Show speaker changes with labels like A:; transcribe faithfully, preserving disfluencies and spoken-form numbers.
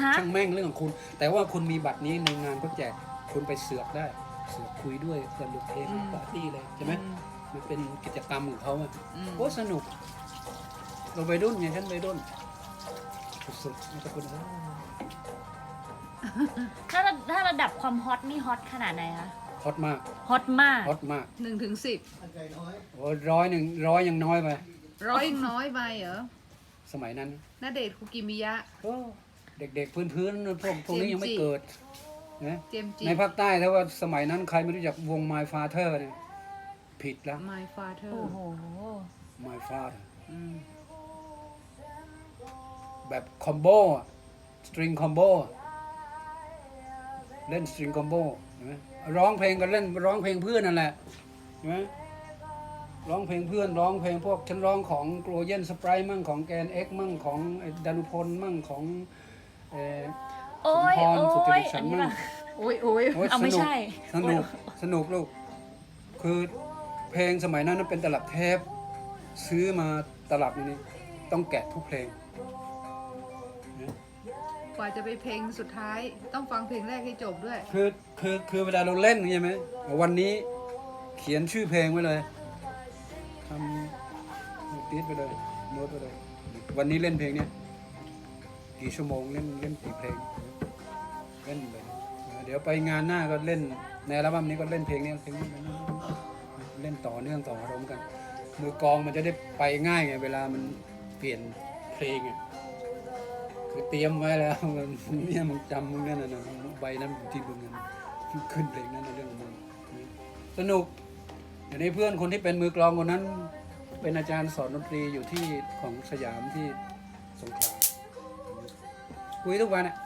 A: ช่างแม่งเรื่องของคุณ แต่ว่าคุณมีบัตรนี้ในงานก็แจกคุณไปเสือกได้เสือกคุยด้วยสนุกเทปปาร์ตี้เลยใช่ไหมมันเป็นกิจกรรมของเขาอ่ะโอ้สนุกเราไปรุ่นไงฉันไปรุ่นสุดๆนี่ก็คุณ
B: ถ้าถ้าระดับความฮอตนี่ฮอตขนาดไหนคะ
A: ฮอตมาก
B: ฮอตมาก
A: ฮอตมาก
C: หนึ่งถึงสิบ
A: โอ้ร้อยหนึ่งร้อยยังน้อยไป
C: ร้อยยังน้อยไปเหรอ
A: สมัยนั้น
C: ณเดชน์คุกิมิยะ
A: โอ้เด็กๆพื้นๆพวกพวกนี้ยังไม่
C: เจมส์จิ
A: เกิดนะ
C: เจมส์จิ
A: ในภาคใต้ถ้าว่าสมัยนั้นใครไม่รู้จักวง My Father เนี่ยผิดแล้ว
C: My Father
B: โอ้โห
A: My Father
C: อืม
A: แบบคอมโบสตริงคอมโบเล่นสตริงคอมโบเห็นไหมร้องเพลงก็เล่นร้องเพลงเพื่อนนั่นแหละเห็นไหมร้องเพลงเพื่อนร้องเพลงพวกฉันร้องของโกลเยนสไปร์มั่งของแกนเอ็กมั่งของดานุพลมั่งของเอ่อ
B: โอ้ย
A: สมพร
B: โอ้
A: สุจ
B: ย
A: ริตฉั
B: อั
A: น
B: นนี้
A: มั่ง
B: ป่ะ
C: โอ้ยโอ้ย
A: โอ้ย
B: เอาไม่
A: สนุก
B: ใช่
A: สนุกสนุกลูกคือเพลงสมัยนั้นเป็นตลับเทปซื้อมาตลับนี้ต้องแกะทุกเพลง
C: กว่าจะไปเพลงสุดท้าย ต้องฟังเพลงแรกให้จบด้วย
A: คือคือคือเวลาเราเล่นใช่ไหมวันนี้เขียนชื่อเพลงไว้เลยทำติดไปเลยโน้ตไปเลย วันนี้เล่นเพลงเนี้ยกี่ชั่วโมงเล่นเล่นกี่เพลงเล่นไปเดี๋ยวไปงานหน้าก็เล่นในอัลบั้มนี้ก็เล่นเพลงนี้เพลงนี้เล่นต่อเนื่องต่ออารมณ์กัน มือกลองมันจะได้ไปง่ายไงเวลามันเปลี่ยนเพลงไงคือเตรียมไว้แล้วมันเนี่ยมึงจำมึงนั่นน่ะใบนั้นที่มึงนั้นขึ้นเพลงนั้นในเรื่องของมึงสนุกเดี๋ยวนี้เพื่อนคนที่เป็นมือกลองคนนั้น เป็นอาจารย์สอนดนตรีอยู่ที่ของสยามที่สงขลาคุยทุกวันอ่ะ